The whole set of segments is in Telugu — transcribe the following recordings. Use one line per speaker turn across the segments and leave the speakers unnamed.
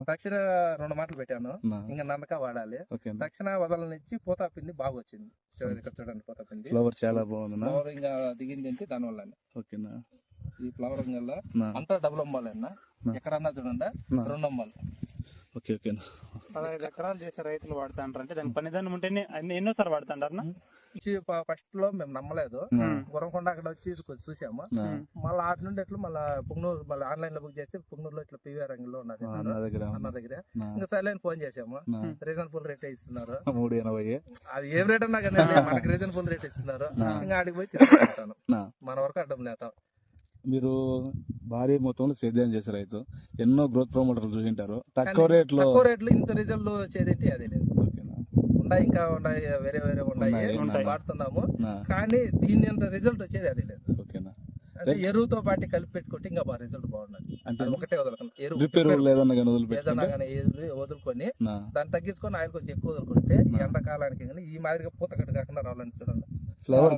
తక్షణ 2 మాటలు పెట్టాను, ఇంకా నందక వాడాలి. తక్షణ వదలనిచ్చి పూత పిండి బాగా వచ్చింది. ఇక్కడ చూడండి పూత పిండి
ఫ్లవర్ చాలా బాగుంది.
ఫ్లవర్ ఇంకా దిగింది అంటే దాని వల్ల
ఓకేనా.
ఈ ఫ్లవర్ వల్ల అంతా డబుల్ అమ్మాలి అన్న. ఎక్కడన్నా చూడండి 2 అమ్మాలి.
ఓకే ఓకేనా.
15 ఎకరాలు చేసే రైతులు వాడుతా అంటారు అంటే దాని పనిదానం ఉంటేనే ఎన్నోసారి వాడుతుంటారు.
ఫస్ట్ లో మేము నమ్మలేదు, గుర్రంకొండ అక్కడ వచ్చి కొంచెం చూసాము. మళ్ళీ ఆటి నుండి ఎట్లా మళ్ళీ పుంగనూరు మళ్ళీ ఆన్లైన్ లో బుక్ చేస్తే పుంగనూరులో ఇట్లా పివిఆర్ రంగంలో ఉన్నది అన్న దగ్గర. ఇంకా సైలెంట్ ఫోన్ చేసాము, రీజనబుల్ రేట్ ఇస్తున్నారు.
380
అది ఏం రేట్ అన్నా కానీ మనకి రీజనబుల్ రేట్ ఇస్తున్నారు. ఇంకా ఆడికి పోయి తీసుకుంటాను, మన వరకు అడ్డం లేతాం.
మీరు భారీ మొత్తంలో సేద్యం చేసే రైతు, ఎన్నో గ్రోత్ ప్రమోటర్లు చూసింటారు. తక్కువ రేట్లో
ఇంత రిజల్ట్ వచ్చేది అదే లేదు. ఉన్నాయి ఇంకా ఉన్నాయి, వేరే వేరే ఉన్నాయి వాడుతున్నాము, కానీ దీని అంత రిజల్ట్ వచ్చేది అది లేదు.
ఓకేనా.
అంటే ఎరువుతో పాటు కలిపి పెట్టుకుంటే ఇంకా బాగా రిజల్ట్ బాగున్నది. అంటే ఒకటే వదలకుండా ఏదన్నా కానీ వదులుకొని దాన్ని తగ్గించుకొని ఆయిల్ కొంచెం ఎక్కువ వదులుకుంటే ఈ ఎండాకాలానికి ఈ మాదిరిగా పూతకట్టు కాకుండా రావాలని చూడండి.
ఫ్లవర్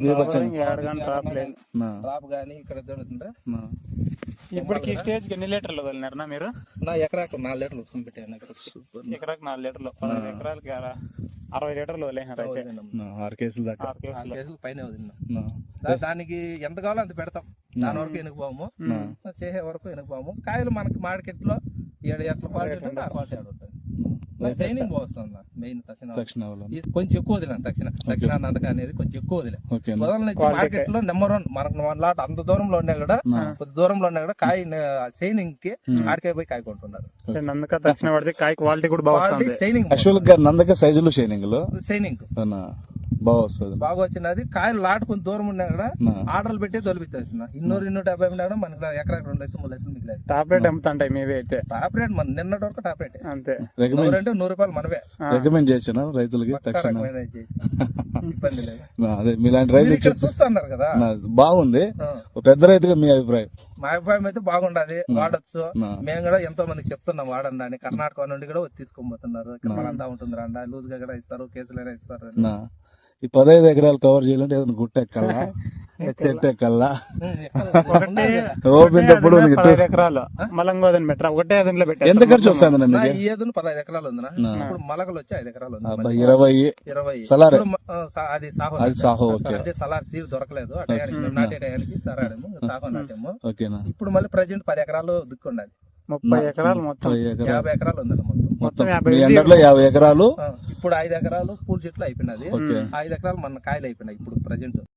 డ్రాప్ గానీ ఇక్కడ చూడుతుంటే
ఇప్పటికి స్టేజ్ కి ఎన్ని లీటర్లు వదిలినారన్నా మీరు?
నా ఎకరాకు 4 లీటర్లు పెట్టాను.
ఎకరాకు 4 లీటర్లు, 15 ఎకరాలకి 60 లీటర్లు వదిలేనారు.
6 కేసులు దాకా,
6 కేసులు పైన వదిలినా. దానికి ఎంత కావాలో అంత పెడతాం. దాని వరకు ఎనుకుపోము, చేసే వరకు ఎనుకుపోము. కాయలు మనకి మార్కెట్ లో ఎట్లా క్వాలిటీ ఉంటే ఆ క్వాలిటీ ఉంటుంది. సైనింగ్ బాగుంది మెయిన్. తక్షణ కొంచెం ఎక్కువ వదిలేను. తక్షణ నందక అనేది కొంచెం ఎక్కువ వదిలే వదలని మార్కెట్ లో నెంబర్ 1 మనకు 1 లాట్ అంత దూరంలో ఉన్నా కూడా, కొద్ది దూరంలో ఉన్నా కూడా కాయ సైనింగ్ కి ఆడికాయ పోయి కాయ కొంటున్నారు.
నందక తక్షణ పడితే కాయ క్వాలిటీ కూడా బాగుంది.
సైనింగ్
నందక సైజులు
సైనింగ్
బాగా వస్తుంది,
బాగా వచ్చినది. కాయలు లాట్ కొంచెం దూరం ఉన్నా కూడా ఆర్డర్లు పెట్టి తొలిపిస్తున్నా. 250 ఉన్నా కూడా మనకి ఎకరాకి 2 లక్షలు 3 లక్షలు మిగిలేదు.
టాప్ రేట్ అమ్ముతుంటాయి మేవే అయితే.
టాప్ రేట్ మన నిన్నటి వరకు టాప్ రేట్
అంతే.
అంటే 100 రూపాయలు మనవే.
రికమెండ్ చేసిన రైతులకి
ఇబ్బంది లేదు.
అదే మీలాంటి రైతులు
చూస్తున్నారు కదా,
బాగుంది. పెద్ద రైతుగా మీ అభిప్రాయం?
మా అభిప్రాయం అయితే బాగుండదు, వాడచ్చు. మేము కూడా ఎంతో మందికి చెప్తున్నాం వాడండి అని. కర్ణాటక నుండి కూడా తీసుకొని పోతున్నారు. ఇక్కడ మళ్ళంతా ఉంటుంది రండి, లూజ్ గా కూడా ఇస్తారు, కేసులైనా ఇస్తారు.
ఈ 15 ఎకరాలు కవర్ చేయాలంటే ఏదైనా గుట్ట ఎక్కల్లా, చెట్టు ఎక్కల్లా, ఓపినప్పుడు
15 ఎకరాలు మలంగోదని పెట్టరా? ఒకటే ఏదంలో పెట్టారు.
ఎంత ఖర్చు వస్తుంది?
ఈ ఏదును 15 ఎకరాలు ఉందినా. ఇప్పుడు మలకలు వచ్చి 5 ఎకరాలు ఉంది.
20 సలార్
అది సాహో. అంటే సలార్ సీడ్ దొరకలేదు ఆ టయానికి, నాటే టయానికి తరాడము సాహో నాటేము. ఇప్పుడు మళ్ళీ ప్రజెంట్ 10 ఎకరాలు దిక్కుండాలి.
30 ఎకరాలు మొత్తం
50 ఎకరాలు ఉంది
మొత్తం
50 ఎకరాలు.
ఇప్పుడు 5 ఎకరాలు పూల చెట్లు అయిపోయినది, 5 ఎకరాలు మన కాయలు అయిపోయినాయి ఇప్పుడు ప్రజెంట్.